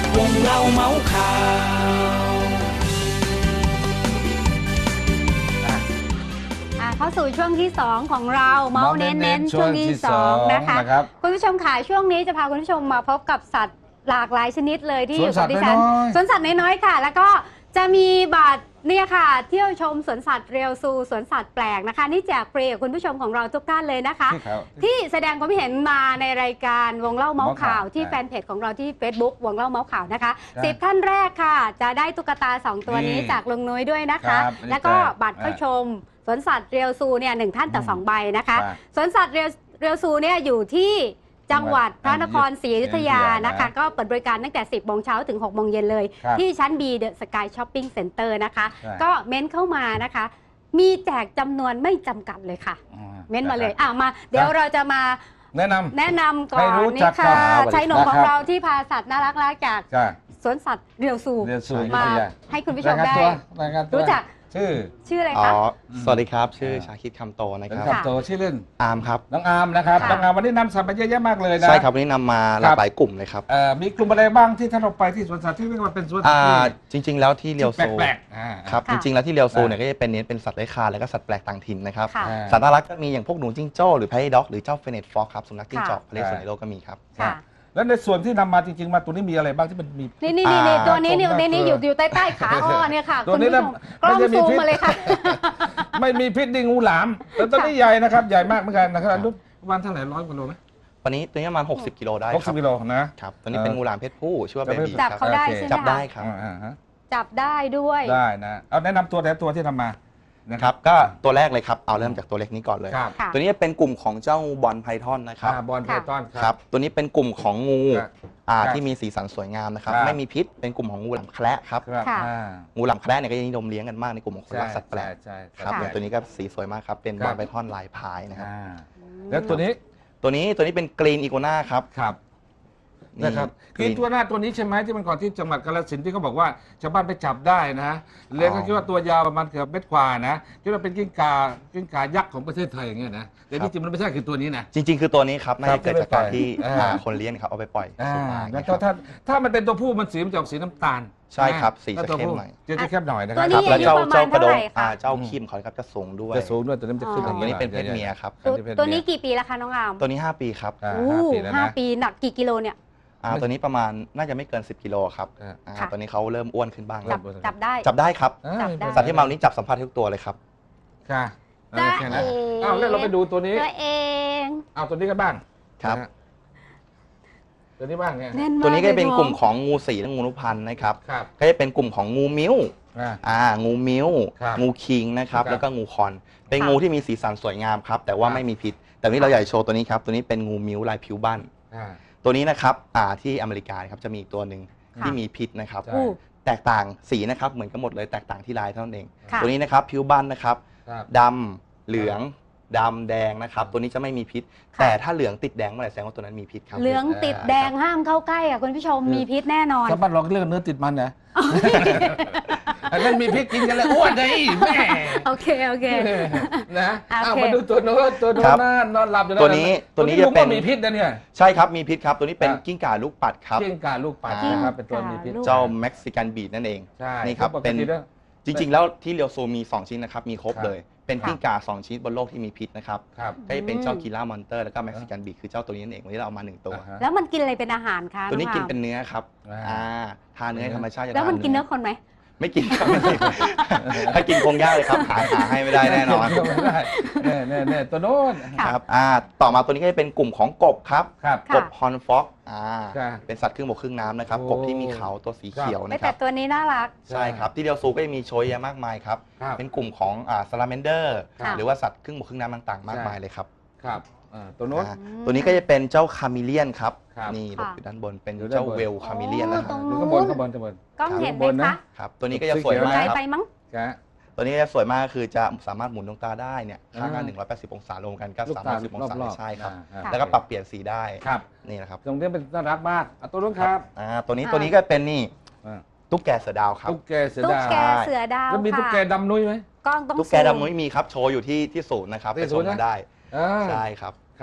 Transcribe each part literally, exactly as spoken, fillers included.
วงเล่าเมาส์ข่าวเข้าสู่ช่วงที่สองของเราเมาส์เน้นๆช่วงที่สองนะคะคุณผู้ชมค่ะช่วงนี้จะพาคุณผู้ชมมาพบกับสัตว์หลากหลายชนิดเลยที่อยู่กับดิฉันสวนสัตว์น้อยๆค่ะแล้วก็จะมีบัตรเนี่ยค่ะเที่ยวชมสวนสัตว์เรียวซูสวนสัตว์แปลกนะคะนี่แจกฟรีกับคุณผู้ชมของเราทุกท่านเลยนะคะที่แสดงความเห็นมาในรายการวงเล่าเมาส์ข่าวที่แฟนเพจของเราที่ Facebook วงเล่าเมาส์ข่าวนะคะสิบท่านแรกค่ะจะได้ตุ๊กตาสองตัวนี้จากลุงนุ้ยด้วยนะคะแล้วก็บัตรเข้าชมสวนสัตว์เรียวซูเนี่ยหนึ่งท่านต่อสองใบนะคะสวนสัตว์เรียวเรียวซูเนี่ยอยู่ที่จังหวัดพระนครศรีอยุธยานะคะก็เปิดบริการตั้งแต่สิบโมงเช้าถึงหกโมงเย็นเลยที่ชั้น B The Sky Shopping Center นะคะก็เม้นเข้ามานะคะมีแจกจำนวนไม่จำกัดเลยค่ะเม้นมาเลยอ่ะมาเดี๋ยวเราจะมาแนะนำแนะนำก่อนนี่ค่ะชายหนุ่มของเราที่พาสัตว์น่ารักๆจากสวนสัตว์เรียวซูมาให้คุณผู้ชมได้รู้จักชื่อชื่ออะไรคะสวัสดีครับชื่อชาคิดคำโตนะครับคำโตชื่อเล่นอาร์มครับน้องอาร์มนะครับน้องอาร์มวันนี้นำสัตว์มาเยอะแยะมากเลยนะใช่ครับวันนี้นำมาหลากหลายกลุ่มเลยครับมีกลุ่มอะไรบ้างที่ท่านเราไปที่สวนสัตว์ที่เรียกว่าเป็นสวนสัตว์จริงๆแล้วที่เรียวโซแปลกครับจริงๆแล้วที่เรียวโซเนี่ยก็จะเป็นเน้นเป็นสัตว์เลื้อยคลานแล้วก็สัตว์แปลกต่างถิ่นนะครับสัตว์น่ารักก็มีอย่างพวกหนูจิ้งโจ้หรือไพร์ด็อกหรือเจ้าเฟเนตฟ็อกครับสุนัขจิ้งจอกทะเลสวนในโลกก็มีครับแล้วในส่วนที่นำมาจริงๆมาตัวนี้มีอะไรบ้างที่มันมีนี่นี่นี่ตัวนี้นี่นี่นี่อยู่อยู่ใต้ใต้ขาอ้อเนี่ยค่ะตัวนี้กล้องซูมมาเลยค่ะไม่มีพิษดิงูหลามแต่ตัวนี้ใหญ่นะครับใหญ่มากเหมือนกันนะครับประมาณเท่าไหร่ร้อยกว่าโลไหมวันนี้ตัวนี้ประมาณหกสิบกิโลได้หกสิบกิโลนะครับตัวนี้เป็นงูหลามเพศผู้ชื่อว่าเบบี้จับเขาได้ใช่ไหมจับได้ครับจับได้ด้วยได้นะเอาแนะนำตัวแต่ตัวที่ทำมานะครับก็ตัวแรกเลยครับเอาเริ่มจากตัวเล็กนี้ก่อนเลยตัวนี้เป็นกลุ่มของเจ้าบอลไพทอนนะครับบอลไพทอนครับตัวนี้เป็นกลุ่มของงูที่มีสีสันสวยงามนะครับไม่มีพิษเป็นกลุ่มของงูหลามแคระครับงูหลามแคระเนี่ยก็นิยมเลี้ยงกันมากในกลุ่มของคนรักสัตว์แปลกครับตัวนี้ก็สีสวยมากครับเป็นบอลไพทอนลายพายนะครับแล้วตัวนี้ตัวนี้ตัวนี้เป็นกรีนอีโกนาครับครับนะครับคือตัวหน้าตัวนี้ใช่ไหมที่มันก่อนที่จังหวัดกาฬสินธุ์ที่เขาบอกว่าชาวบ้านไปจับได้นะเลี้ยงก็คิดว่าตัวยาวประมาณเกือบเมตรกว่านะคิดว่าเป็นกิ้งก่ากิ้งก่ายักษ์ของประเทศไทยอย่างเงี้ยนะแต่ที่จริงมันไม่ใช่คือตัวนี้นะจริงๆคือตัวนี้ครับน่าจะเกิดจากการที่คนเลี้ยงครับเอาไปปล่อยแล้วถ้าถ้ามันเป็นตัวผู้มันสีมันจะออกสีน้ำตาลใช่ครับสีจะเข้มหน่อยจะเข้มหน่อยนะครับแล้วเจ้าเจ้ากระโดงเจ้าคีมเขาครับจะสูงด้วยจะสูงด้วยตัวนี้จะขึ้นตัวนี้เป็นเพศเมียครับตัวนี้กี่ปีแล้วคะน้องอามตัวนี้ห้าปีครับห้าปีหนักกี่กิโลเนี่ยอ่าตัวนี้ประมาณน่าจะไม่เกินสิบกิโลครับอ่าตัวนี้เขาเริ่มอ้วนขึ้นบ้างแล้วจับได้จับได้ครับสัตว์ที่เมานี้จับสัมผัสทุกตัวเลยครับค่ะแค่นั้นอ้าวแล้วเราไปดูตัวนี้ตัวเองเอาตัวนี้กันบ้างครับตัวนี้บ้างเนี่ยตัวนี้ก็จะเป็นกลุ่มของงูสีและงูนุพันธ์นะครับก็จะเป็นกลุ่มของงูมิ้วอ่างูมิ้วงูคิงนะครับแล้วก็งูคอนเป็นงูที่มีสีสันสวยงามครับแต่ว่าไม่มีพิษแต่นี้เราอยากโชว์ตัวนี้ครับตัวนี้เป็นงูมิ้วลายผิวบ้านตัวนี้นะครับที่อเมริกาครับจะมีตัวหนึ่งที่มีพิษนะครับแตกต่างสีนะครับเหมือนกันหมดเลยแตกต่างที่ลายเท่านั้นเองตัวนี้นะครับผิวบ้านนะครับดำเหลืองดำแดงนะครับตัวนี้จะไม่มีพิษแต่ถ้าเหลืองติดแดงเมื่อไหร่แสดงว่าตัวนั้นมีพิษครับเหลืองติดแดงห้ามเข้าใกล้อ่ะคุณผู้ชมมีพิษแน่นอนชาวบ้านเราเรียกเนื้อติดมันนะอันนั้นมีพริกกินกันเลยอ้วนเลยแม่โอเคโอเคนะเอามาดูตัวโน้ตตัวโน้ตนอนหลับอยู่ตัวนี้ตัวนี้จะเป็นมีพิษนะเนี่ยใช่ครับมีพิษครับตัวนี้เป็นกิ้งก่าลูกปัดครับกิ้งก่าลูกปัดนะครับเป็นตัวมีพิษเจ้าเม็กซิกันบีดนั่นเองนี่ครับเป็นจริงๆแล้วที่เรียวโซมีสองชิ้นนะครับมีครบเลยเป็นกิ้งก่าสองชนิดบนโลกที่มีพิษนะครับก็จะเป็นเจ้ากีล่ามอนเตอร์แล้วก็เม็กซิกันบีคือเจ้าตัวนี้นั่นเองวันนี้เราเอามาหนึ่งตัวแล้วมันกินอะไรเป็นอาหารคะตัวนี้กินเป็นเนื้อครับอ่าทานเนื้อธรรมชาติแล้วมันกินเนื้อคนไหมไม่กินครับถ้ากินคงยากเลยครับหาหาให้ไม่ได้แน่นอนแน่แน่ตัวโน้นครับอ่าต่อมาตัวนี้ก็จะเป็นกลุ่มของกบครับกบฮอนฟ็อกอ่าเป็นสัตว์ครึ่งบกครึ่งน้ำนะครับกบที่มีเขาตัวสีเขียวนะครับแต่ตัวนี้น่ารักใช่ครับที่เดียวซูก็จะมีโชยเยอะมากมายครับเป็นกลุ่มของอ่าซาลาเมนเดอร์หรือว่าสัตว์ครึ่งบกครึ่งน้ำต่างๆมากมายเลยครับครับตัวโน้นตัวนี้ก็จะเป็นเจ้าคามิเลียนครับนี่หลบอยู่ด้านบนเป็นเจ้าเวลคามิเลียนนะครับข้างบนข้างบนข้างบนกล้องเห็นไหมคะครับตัวนี้ก็จะสวยมากครับไปมั้งตัวนี้จะสวยมากคือจะสามารถหมุนดวงตาได้เนี่ยข้างละหนึ่งร้อยแปดสิบองศารวมกันก็สามร้อยสิบองศาใช่ครับแล้วก็ปรับเปลี่ยนสีได้ครับนี่นะครับตรงนี้เป็นน่ารักมากตัวนู้นครับอ่าตัวนี้ตัวนี้ก็เป็นนี่ตุ๊กแกเสือดาวครับตุ๊กแกเสือดาวตุ๊กแกเสือดาวแล้วมีตุ๊กแกดำนุ้ยไหมกล้องต้องตุ๊กแกดำนุ้ยมีครับโชว์อยู่ที่ที่ศูนย์นะครับไปชมกันได้ใช่ครับครับ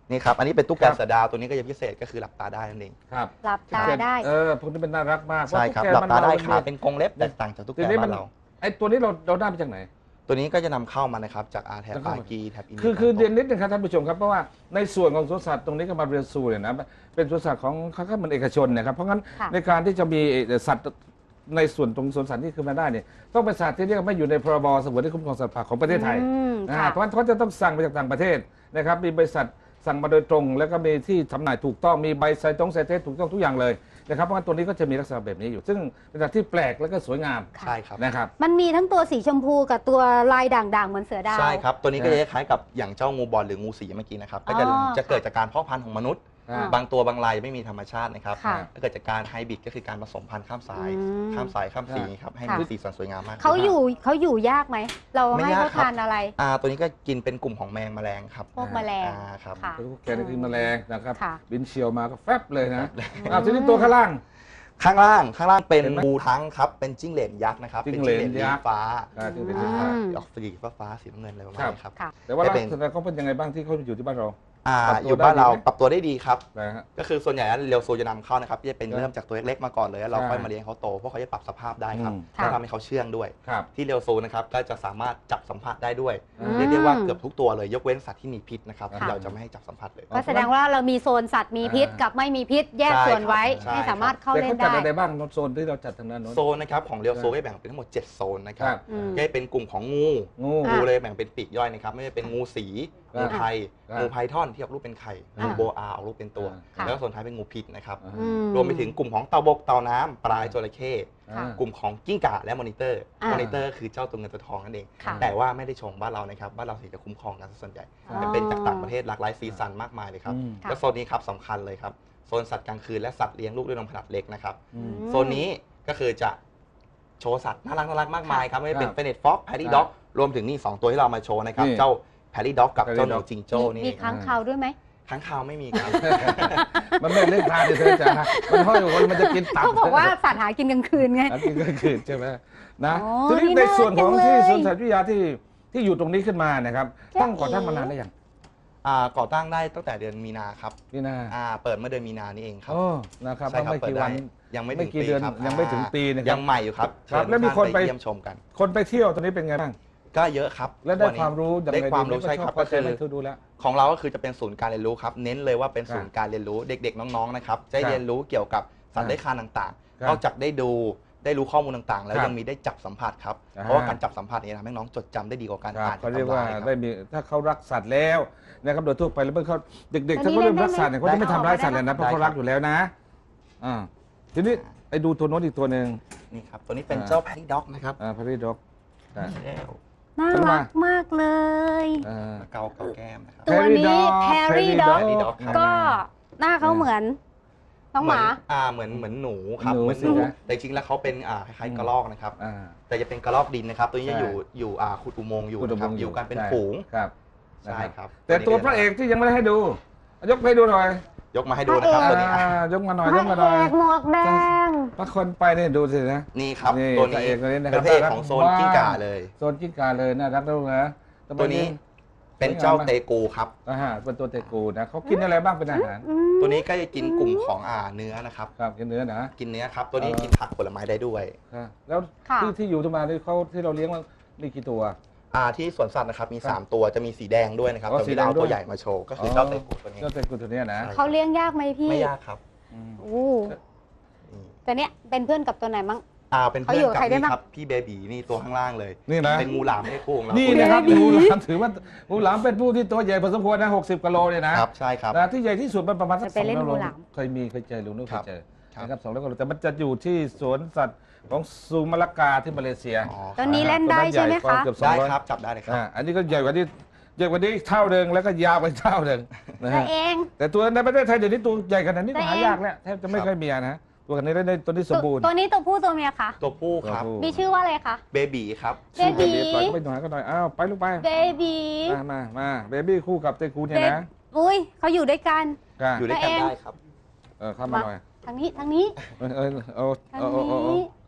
นี่ครับอันนี้เป็นตุ๊กแกเสือดาวตัวนี้ก็จะพิเศษก็คือหลับตาได้นั่นเองครับหลับตาได้เออพวกนี้เป็นน่ารักมากใช่ครับหลับตาได้ขาเป็นกรงเล็บแตกต่างจากตุ๊กแกบ้านเราไอ้ตัวนี้เราเราได้มาจากไหนตัวนี้ก็จะนำเข้ามานะครับจากอาแทบอากีแทบอินคือคือเรียนนิดนึงครับท่านผู้ชมครับเพราะว่าในส่วนของสวนสัตว์ตรงนี้ก็มาเรียนซูเนี่ยนะเป็นสวนสัตว์ของเขาก็มันเอกชนนะครับเพราะงั้นในการที่จะมีสัตว์ในส่วนตรงสวนสัตว์ที่ขึ้นมาได้เนี่ยต้องเป็นสัตว์ที่เรียกไม่อยู่ในพรบสงวนและคุ้มครองสัตว์ป่าของประเทศไทยนะเพราะฉะนั้นเขาจะต้องสั่งมาจากต่างประเทศนะครับมีบริษัทสั่งมาโดยตรงแล้วก็มีที่จำหน่ายถูกต้องมีใบไซตงไซเทสถูกต้องทุกอย่างเลยนะครับเพราะว่าตัวนี้ก็จะมีลักษณะแบบนี้อยู่ซึ่งเป็นสัตว์ที่แปลกแล้วก็สวยงามใช่ครับนะครับมันมีทั้งตัวสีชมพูกับตัวลายด่างๆเหมือนเสือดาวใช่ครับตัวนี้ก็จะคล้ายกับอย่างเจ้างูบอลหรืองูสีเมื่อกี้นะครับก็จะจะเกิดจากการเพาะพันธุ์ของมนุษย์บางตัวบางรายไม่มีธรรมชาตินะครับก็เกิดจากการไฮบริดก็คือการผสมพันธุ์ข้ามสายข้ามสายข้ามสีครับให้มีสีสันสวยงามมากเขาอยู่เขาอยู่ยากไหมเราให้เขาทานอะไรอ่าตัวนี้ก็กินเป็นกลุ่มของแมงแมลงครับพวกแมลงครับแกนี่คือแมลงนะครับบินเชียวมาก็แฟบเลยนะอ่าทีนี้ตัวข้างล่างข้างล่างข้างล่างเป็นงูทั้งครับเป็นจิ้งเหลนยักษ์นะครับเป็นจิ้งเหลนยักษ์ฟ้าจิ้งเหลนยักษ์ออกสีฟ้าฟ้าสีน้ำเงินอะไรประมาณนี้ครับแต่ว่าลักษณะเขาเป็นยังไงบ้างที่เขาอยู่ที่บ้านเราอ่าอยู่บ้านเราปรับตัวได้ดีครับก็คือส่วนใหญ่แล้วเรียวซูจะนำเข้านะครับจะเป็นเริ่มจากตัวเล็กๆมาก่อนเลยแล้วเราค่อยมาเลี้ยงเขาโตเพราะเขาจะปรับสภาพได้ครับแล้วทำให้เขาเชื่องด้วยที่เรียวซูนะครับก็จะสามารถจับสัมผัสได้ด้วยเรียกได้ว่าเกือบทุกตัวเลยยกเว้นสัตว์ที่มีพิษนะครับเราจะไม่ให้จับสัมผัสเลยก็แสดงว่าเรามีโซนสัตว์มีพิษกับไม่มีพิษแยกส่วนไว้ให้สามารถเข้าเล่นได้จัดอะไรบ้างโซนที่เราจัดทางนั้นโซนนะครับของเรียวซูได้แบ่งเป็นทั้งหมดเจ็ดโซนนะครับก็จะเป็นกลุ่มของงูงูเลยแบ่งเป็นปีกย่อยนะครับไม่ว่าเป็นงูสีงูไทยงูไพทอนที่ออกรูปเป็นไข่งูโบอาออกรูปเป็นตัวแล้วก็ส่วนท้ายเป็นงูพิษนะครับรวมไปถึงกลุ่มของเต่าบกเต่าน้ำปลาจระเข้กลุ่มของกิ้งก่าและมอนิเตอร์มอนิเตอร์คือเจ้าตัวเงินตัวทองนั่นเองแต่ว่าไม่ได้ชงบ้านเรานะครับบ้านเราสีจะคุ้มครองกันส่วนใหญ่เป็นจากต่างประเทศหลากหลายสีสันมากมายเลยครับและโซนนี้ครับสำคัญเลยครับโซนสัตว์กลางคืนและสัตว์เลี้ยงลูกด้วยนมขนาดเล็กนะครับโซนนี้ก็คือจะโชว์สัตว์น่ารักน่ารักมากมายครับไม่เป็นเฟเนตฟ็อกแพดดี้ด็อกรวมถึงนี่สองตัวที่เรามาโชว์นะครับเจ้าแพดดี้ด็อกกับเจ้าหนูจิงโจ้นี่มีค้างคาวด้วยไหมค้างคาวไม่มีครับมันไม่เล่นทานเลยเธอจ๋ามันห้อยอยู่มันจะกินตับเขาบอกว่าสัตว์หากินกลางคืนไงกินกลางคืนใช่ไหมนะทีนี้ในส่วนของที่สวนสัตว์วิทยาที่ที่อยู่ตรงนี้ขึ้นมานะครับตั้งก่อตั้งมานานได้ยังก่อตั้งได้ตั้งแต่เดือนมีนาครับมีนาเปิดเมื่อเดือนมีนานี่เองครับนะครับไม่กี่วันยังไม่ถึงปีครับยังไม่ถึงปีนะครับยังใหม่อยู่ครับแล้วมีคนไปเยี่ยมชมกันคนไปเที่ยวตอนนี้เป็นไงบ้างก็เยอะครับและได้ความรู้ได้ความรู้ใช่ครับก็คือดูแลของเราก็คือจะเป็นศูนย์การเรียนรู้ครับเน้นเลยว่าเป็นศูนย์การเรียนรู้เด็กๆน้องๆนะครับจะเรียนรู้เกี่ยวกับสัตว์เลื้อยคลานต่างๆนอกจากได้ดูได้รู้ข้อมูลต่างๆแล้วยังมีได้จับสัมผัสครับเพราะว่าการจับสัมผัสนี้ทำให้น้องจดจำได้ดีกว่าการอ่านเขาเรียกว่าได้มีถ้าเขารักสัตว์แล้วนะครับโดยทั่วไปแล้วเมื่อเขาเด็กๆถ้าเขาเริ่มรักสัตว์เนี่ยเขาจะไม่ทำร้ายสัตว์เลยนะเพราะเขารักอยู่แล้วนะอ่าทีนี้ไอ้ดูตัวโน้นอีกตัวหนึ่งนี่ครับตัวนี้เป็นเจ้าแพดดี้ด็อกนะครับอ่าแพดดี้ด็อกน่ารักมากเลยเกาเกาแก้มนะครับตัวนี้แพรรี่ด็อกก็หน้าเขาเหมือนน้องหมาอ่าเหมือนเหมือนหนูครับเหมือนหนูแต่จริงแล้วเขาเป็นอ่าคล้ายๆกระรอกนะครับแต่จะเป็นกระรอกดินนะครับตัวนี้จะอยู่อยู่อ่าขุดอุโมงค์อยู่นะครับอยู่กันเป็นฝูงครับใช่ครับแต่ตัวพระเอกที่ยังไม่ได้ให้ดูยกให้ดูหน่อยยกมาให้ดูนะครับตัวนี้ยกมาหน่อยยกมาหน่อยหมวกแดงพระคนไปเนี่ยดูสินะนี่ครับตัวนี้เป็นเพศของโซนกิ้งก่าเลยโซนกิ้งก่าเลยน่ารักด้วยนะตัวนี้เป็นเจ้าเตกูครับอ่าเป็นตัวเตกูนะเขากินอะไรบ้างเป็นอาหารตัวนี้ก็จะกินกลุ่มของอ่าเนื้อนะครับครับกินเนื้อนะกินเนื้อครับตัวนี้กินผักผลไม้ได้ด้วยแล้วที่ที่อยู่ตรงมาที่เขาที่เราเลี้ยงมันมีกี่ตัวอ่าที่สวนสัตว์นะครับมีสามตัวจะมีสีแดงด้วยนะครับแต่ที่เราตัวใหญ่มาโชว์ก็คือเจ้าเตกูตัวนี้เจ้าเตกูตัวนี้นะเขาเลี้ยงยากไหมพี่ไม่ยากครับโอ้แต่เนี้ยเป็นเพื่อนกับตัวไหนมั้งอ่าเป็นเพื่อนกับนี่ครับพี่เบบีนี่ตัวข้างล่างเลยนี่นะเป็นงูหลามไม่ได้คู่ของเรานี่นะครับงูหลามถือว่างูหลามเป็นผู้ที่ตัวใหญ่พอสมควรนะหกสิบกิโลเลยนะครับใช่ครับที่ใหญ่ที่สุดมันประมาณสักสองร้อยโลเคยมีเคยเจอลุงนุ๊กเคยเจอนะครับสองร้อยกิโลแต่มันจะอยู่ที่สวนสัตว์ของซูมาลากาที่มาเลเซียตอนนี้เล่นได้ใช่ไหมคะได้ครับจับได้เลยครับอันนี้ก็ใหญ่กว่านี้ใหญ่กว่านี้เท่าเดิมแล้วก็ยาวไปเท่าเดิมนะฮะแต่ตัวในประเทศไทยเดี๋ยวนี้ตัวใหญ่ขนาดนี้หายากแล้วแทบจะไม่ค่อยมีนะตัวนี้ได้ตัวนี้สมบูรณ์ตัวนี้ตัวผู้ตัวเมียคะตัวผู้ครับมีชื่อว่าอะไรคะเบบีครับเบบีไปหน่อยก็หน่อยอ้าวไปลูกไปเบบีมามามาเบบีคู่กับเตกูเนี่ยนะอุ้ยเขาอยู่ด้วยกันอยู่ด้วยกันได้ครับเออเข้ามาหน่อยทางนี้ทางนี้เออเออเออเออ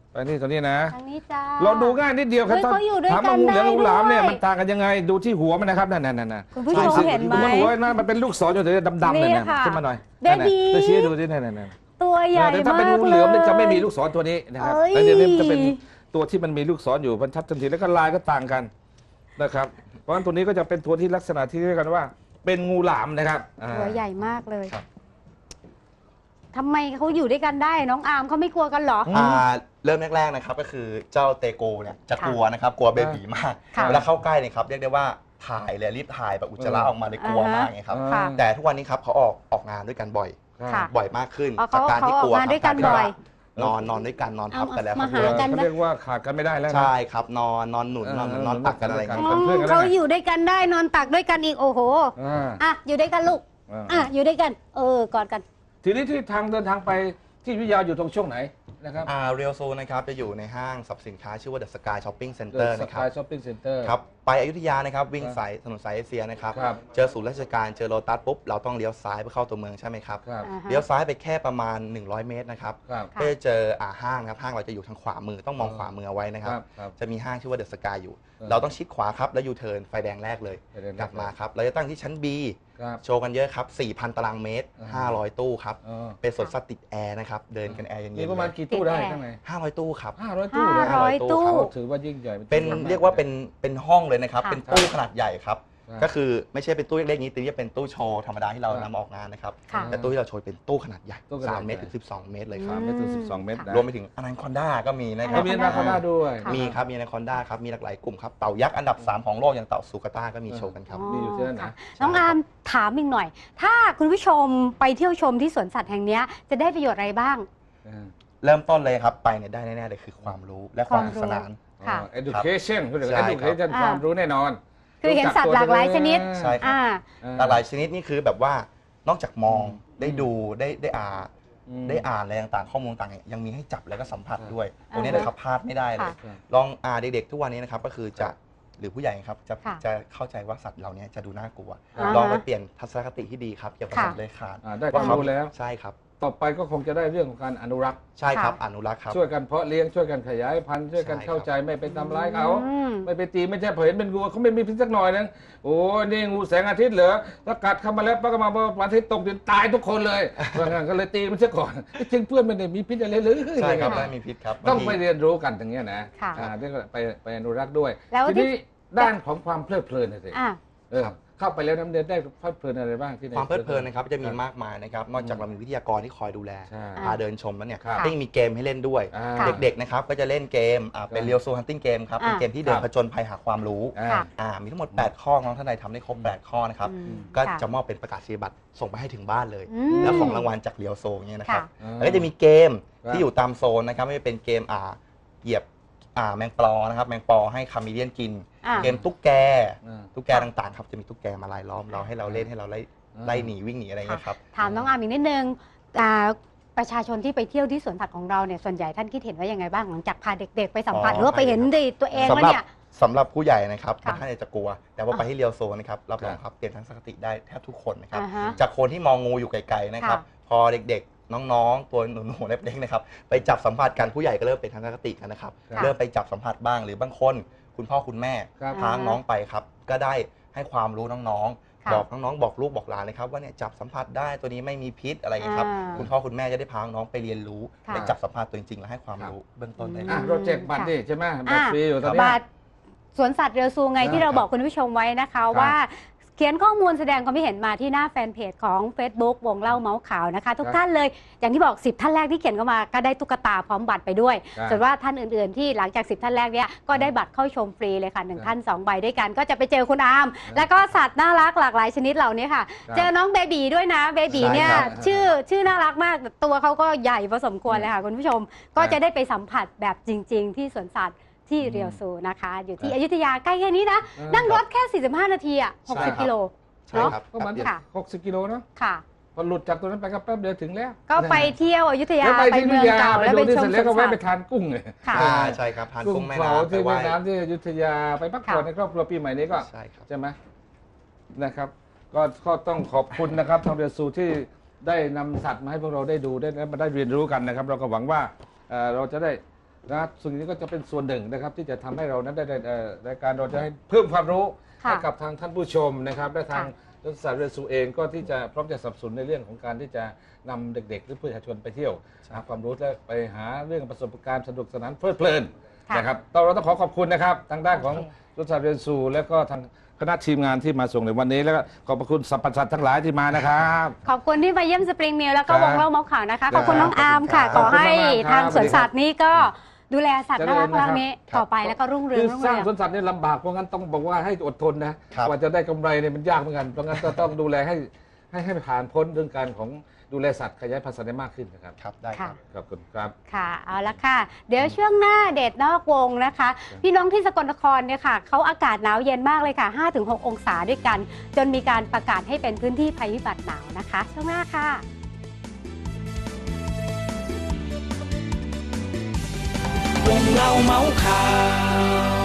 ไปนี่ตัวนี้นะทางนี้จ้าเราดูง่ายนิดเดียวครับเฮ้ยเขาอยู่ด้วยถามกัว่าน งูเหลือมได้งูหลามเนี่ยด้วยมันต่างกันยังไงดูที่หัวมันนะครับนั่นนั่นนั่นคุณผู้ชมเห็นไหมหัวนะมันเป็นลูกศรอยู่แต่ดำๆเลยนี่นะค่ะขึ้นมาหน่อยเบบีจะชี้ดูที่นั่นนั่นตัวใหญ่แต่ถ้าเป็นมากงูเลเหลือมเนี่ยยจะไม่มีลูกศรตัวนี้นะครับเอ้ยแล้วเดี๋ยวนี้จะเป็นตัวที่มันมีลูกศรอยู่มันชัดทันทีแล้วก็ลายก็ต่างกันนะครับเพราะฉะนั้นตัวนี้ก็จะเป็นตัวที่ลักษณะที่เรียกกันว่า เป็นงูหลามนะครับอ่าตัวใหญ่มากเลยครับทำไมเขาอยู่ด้วยกันได้น้องอาร์มเขาไม่กลัวกันเหรออ่าเริ่มแรกๆนะครับก็คือเจ้าเตโกเนี่ยจะกลัวนะครับกลัวเบบีมากค่ะเวลาเข้าใกล้เนี่ยครับเรียกได้ว่าถ่ายเลยรีบถ่ายแบบอุจจาระออกมาเลยกลัวมากไงครับค่ะแต่ทุกวันนี้ครับเขาออกออกงานด้วยกันบ่อยค่ะบ่อยมากขึ้นอ๋อจากการที่กลัวเขาออกมาด้วยกันบ่อยนอนนอนด้วยกันนอนทับกันแล้วเอาครัมาบหากันเขาเรียกว่าขาดกันไม่ได้แล้วนะใช่ครับนอนนอนหนุนนอนเออนอนตักกันอะไรอย่างนเงี้ยป็นเพื่อนกันแล้วไงเขาอยู่ด้วยกันได้นอนตักด้วยกันอีกโอ้โหอ่าอ่ะอยู่ด้วยกันลูกอ่าอ่ะอยู่ด้วยกัน เออกอดกันทีนี้ที่ทางเดินทางไปที่วิทยาอยู่ตรงช่วงไหนนะครับอ่าเรียลโซนะครับจะอยู่ในห้างสรรพสินค้าชื่อว่า The Sky Shopping เด Center อะสนะคการัยบช้อปปิ้งเซ็นเตอร์ครับไปอยุธยานะครับวิ่งสายถนนสายเอเชียนะครับครับเจอศูนย์ราชการเจอโลตัสปุ๊บเราต้องเลี้ยวซ้ายเพื่อเข้าตัวเมืองใช่ไหมครับครับอ่าฮะเลี้ยวซ้ายไปแค่ประมาณหนึ่งร้อยเมตรนะครับครับค่ะก็จะเจออ่าห้างนะครับห้างเราจะอยู่ทางขวามือต้องมองขวามือเอาไว้นะคครัรับ บครับจะมีห้างชื่อว่าเดอะสกายอยู่เออเราต้องชิดขวาครับแล้วยูเทิร์นไฟแดงแรกเลยไฟแดงแรกกลับมาครับเราจะตั้งที่ชั้น B ครับโชว์กันเยอะครับ สี่พัน ตารางเมตรอ่าห้าร้อย ตู้ครับอ๋อเป็นสวนสัตว์ติดแอร์นะครับเดินกันแอร์เย็นๆมีประมาณกี่ตู้ได้ข้างในห้าร้อยตู้ครับห้าร้อยตู้เลยห้าร้อยตู้เขาถือว่ายิ่งใหญ่เป็นตู้มเรียกว่าเป็นเป็นห้องเลยนะครับค่ะเป็นตู้ขนาดใหญ่ครับครับก็คือไม่ใช่เป็นตู้เล็กๆนี้แต่จะเป็นตู้โชว์ธรรมดาที่เราครับนำออกงานนะครับค่ะแต่ตู้ที่เราโชว์เป็นตู้ขนาดใหญ่ตู้ขนาดสามเมตรใหญ่ถึงสิบสองเมตรเลยคสารัมบเมตรถึงสิบสองเมตรนะรวมไปถึงอนาคอนด้าก็มีนะครัแล้วมีนาคาด้าด้วยค่ะมีครับมีอนาคอนด้าครับมีหลากหลายกลุ่มครับเต่ายักษ์อันดับสามของโลกอย่างเต่าซูกาต้าก็มีโชว์กันครับมีอยู่ที่นั่นนะค่ะน้องอาร์มถามอีกหน่อย ถ้าคุณผู้ชมไปเที่ยวชมที่สวนสัตว์แห่งเนี้ยจะได้ประโยชน์อะไรบ้างเริ่มต้นเลยครับไปเนี่ยได้แน่ๆเลยคือความรู้และความสนุกสนานค่ะอ๋อ education เขาเรียกใช่ว่าครับ education อ่าความรู้แน่นอนคือเห็นสัตว์หลากหลายชนิดใช่ครับอ่าหลากหลายชนิดนี่คือแบบว่านอกจากมองได้ดูได้ได้อ่านอืมได้อ่านอะไรต่างๆข้อมูลต่างๆยังมีให้จับแล้วก็สัมผัสครับด้วยอ่าตรงนี้นะครับพลาดไม่ได้เลยค่ะลองอ่าเด็กๆทุกวันนี้นะครับก็คือจะหรือผู้ใหญ่ครับจะค่ะจะเข้าใจว่าสัตว์เหล่านี้จะดูน่ากลัวอ่าฮะลองไปเปลี่ยนทัศนคติที่ดีครับเกี่ยวกับค่ะสัตว์เลื้อยคลานอ่าได้ความรู้แล้วใช่ครับต่อไปก็คงจะได้เรื่องของการอนุรักษ์ใช่ครับค่ะอนุรักษ์ครับช่วยกันเพาะเลี้ยงช่วยกันขยายพันธุ์ช่วยกันใช่ครับเข้าใจไม่ไปทำร้ายเขาอืมไม่ไปตีไม่ใช่พอเห็นเป็นงูเขาไม่มีพิษสักหน่อยนึงโอ้นี่งูแสงอาทิตย์เหรอถ้ากัดเข้ามาแล้วป้าก็มาว่าพระอาทิตย์ตกดินตายทุกคนเลยเพราะงั้นก็เลยตีมันเสียก่อนจริงเพื่อนไม่ได้มีพิษอะไรเลยใช่ครับค่ะไม่มีพิษครับต้องบางทีไปเรียนรู้กันอย่างเงี้ยนะค่ะอ่าเรียกว่าไปไปอนุรักษ์ด้วยแล้วทีที่นี้ด้านของความเพลิดเพลินน่ะสิอ่าเออเข้าไปแล้วน้ำเดือดได้เพลิดเพลินอะไรบ้างที่ไหนความเพลิดเพลินนะครับจะมีมากมายนะครับนอกจากเรามีวิทยากรที่คอยดูแลใช่พาเดินชมแล้วเนี่ยครับก็ยังมีเกมให้เล่นด้วยอ่าค่ะเด็กๆนะครับก็จะเล่นเกมอ่าเป็นครับเรียลโซฮันติ้งเกมครับเป็นอ่าเกมที่เดินครับผจญภัยหาความรู้อ่าค่ะอ่ามีทั้งหมด แปด ข้อน้องท่านใดทำได้ครบ แปด ข้อนะครับอืมก็ค่จะมอบเป็นประกาศนียบัตรส่งไปให้ถึงบ้านเลยอืมแล้วของรางวัลจากเรียวโซเนี่ยนะครับค่ะแล้วก็จะมีเกมครับที่อยู่ตามโซนนะครับไม่ว่าเป็นเกมอ่าเหยียบอ่าแมงปลอนะครับแมงปอให้คามิเลียนกินอ่าเกมตุ๊กแกอ่าตุ๊กแกต่างๆครับจะมีตุ๊กแกมาลายล้อมเราให้เราเล่นให้เราไล่อ่าไล่หนีวิ่งหนีอะไรอย่างเงี้ยครับถามน้องอาร์มอีกนิดนึงอ่าประชาชนที่ไปเที่ยวที่สวนสัตว์ของเราเนี่ยส่วนใหญ่ท่านคิดเห็นว่ายังไงบ้างหลังจากพาเด็กๆไปสัมผัสอ๋อหรือว่าไปเห็นด้วยตัวเองว่าสำหรับเนี่ยสำหรับผู้ใหญ่นะครับค่ะบางท่านอาจจะกลัว แต่ว่าไปอ่าที่เรียวโซนะครับรับรองครับเปลี่ยนทัศนคติได้แทบทุกคนนะครับอ่าฮะจากคนที่มองงูอยู่ไกลๆนะครับค่ะพอเด็กๆ น้องๆ ตัวหนูๆเล็กๆนะครับไปจับสัมผัสกันผู้ใหญ่ก็เริ่มเป็นทัศนคติกันนะครับค่ะเริ่มไปจับสัมผัสบ้างหรือบางคนคุณพ่อคุณแม่ครับพาน้องไปครับก็ได้ให้ความรู้น้องค่ะๆ บอกน้องๆบอกลูกบอกหลานเลยครับว่าเนี่ยจับสัมผัสได้ตัวนี้ไม่มีพิษอะไรอย่างเงี้ยครับอ่าคุณพ่อคุณแม่จะได้พาน้องไปเรียนรู้ค่ะไปจับสัมผัสตัวจริงๆและให้ความรู้เบื้องต้นได้อ่ะครับเราแจกบัตรดิใช่ไหมบัตรฟรีอยู่ตอนบเนี้ยาทสวนสัตว์เรือซูไงใช่ที่เราครับบอกคุณผู้ชมไว้นะคะครับว่าเขียนข้อมูลแสดงความคิดเห็นมาที่หน้าแฟนเพจของ Facebook วงเล่าเมาส์ข่าวนะคะ ทุกครับท่านเลยอย่างที่บอกสิบท่านแรกที่เขียนเข้ามาก็ได้ตุ๊กตาพร้อมบัตรไปด้วยครับส่วนว่าท่านอื่นๆที่หลังจากสิบท่านแรกเนี้ยก็ได้บัตรเข้าชมฟรีเลยค่ะหนึ่งครับท่านสองใบด้วยกัน ก็จะไปเจอคุณอาร์มครับแล้วก็สัตว์น่ารักหลากหลายชนิดเหล่านี้ค่ะครับเจอน้องเบบีด้วยนะเบบีใช่เนี่ยครับชื่อชื่อน่ารักมากแต่ตัวเขาก็ใหญ่พอสมควรเลยค่ะคุณผู้ชมก็จะได้ไปสัมผัสแบบจริง ๆ ที่สวนสัตว์ที่เรียวซูนะคะ อยู่ที่อยุธยาใกล้แค่นี้นะเออนั่งรถแค่ สี่สิบห้า นาทีอ่ะใช่ครับหกสิบ กิโลใช่ครับก็ประมันค่ะหกสิบกิโลเนาะค่ะพอหลุดจากตรงนั้นไปก็แป๊บเดียวถึงแล้วก็ไปเที่ยวอยุธยาแล้วไปไปที่เมืวิองทยาเก่าไปแล้วดูไปที่ชเสมร็จสแล้วก็วนสัแวะตไปว์ทานกุ้งเลยค่ะอ่าใช่ครับทานกุ้กุ้งงแม่เผาน้ำที่ไปไหเวีว้ยดนามที่อยุธยาไปพักผ่อนค่ะในครอบครัวปีใหม่นี้ก็ใช่ครับใช่ไหมนะครับก็ก็ต้องขอบคุณนะครับทางเรือซูที่ได้นำสัตว์มาให้พวกเราได้ดูได้และมาได้เรียนรู้กันนะครับ เราก็หวังว่าเอ่อเราจะได้นะสิ่งนี้ก็จะเป็นส่วนหนึ่งนะครับที่จะทำให้เรานั้นได้รายการเราจะให้เพิ่มความรู้ให้กับทางท่านผู้ชมนะครับและทางสวนสัตว์เรซูเองก็ที่จะพร้อมจะสนับสนุนในเรื่องของการที่จะนำเด็กๆหรือประชาชนไปเที่ยวหาความรู้และไปหาเรื่องประสบการณ์สนุกสนานเพลิดเพลินนะครับเราต้องขอขอบคุณนะครับทางด้านของสวนสัตว์เรซูและก็ทางคณะทีมงานที่มาส่งในวันนี้แล้วก็ขอบพระคุณสรรพสัตว์ทั้งหลายที่มานะครับขอบคุณที่มาเยี่ยมสปริงมิลแล้วก็วงเล่าเมาส์ข่าวนะคะขอบคุณน้องอาร์มค่ะขอให้ทางสวนสัตว์นี้ก็ดูแลสัตว์น่ารักมากนี้ต่อไปแล้วก็รุ่งเรืองรุ่งเรืองสร้างสวนสัตว์นี่ลำบากเพราะงั้นต้องบอกว่าให้อดทนนะกว่าจะได้กำไรเนี่ยมันยากเหมือนกันเพราะงั้นก็ต้องดูแลให้ให้ให้ผ่านพ้นเรื่องการของดูแลสัตว์ขยายพันธุ์สัตว์ได้มากขึ้นนะครับครับได้ครับขอบคุณครับค่ะเอาละค่ะเดี๋ยวช่วงหน้าเดทนอกวงนะคะพี่น้องที่สกลนครเนี่ยค่ะเขาอากาศหนาวเย็นมากเลยค่ะ ห้าถึงหก องศาด้วยกันจนมีการประกาศให้เป็นพื้นที่ภัยพิบัติหนาวนะคะช่วงหน้าค่ะวงเล่าเมาส์ข่าว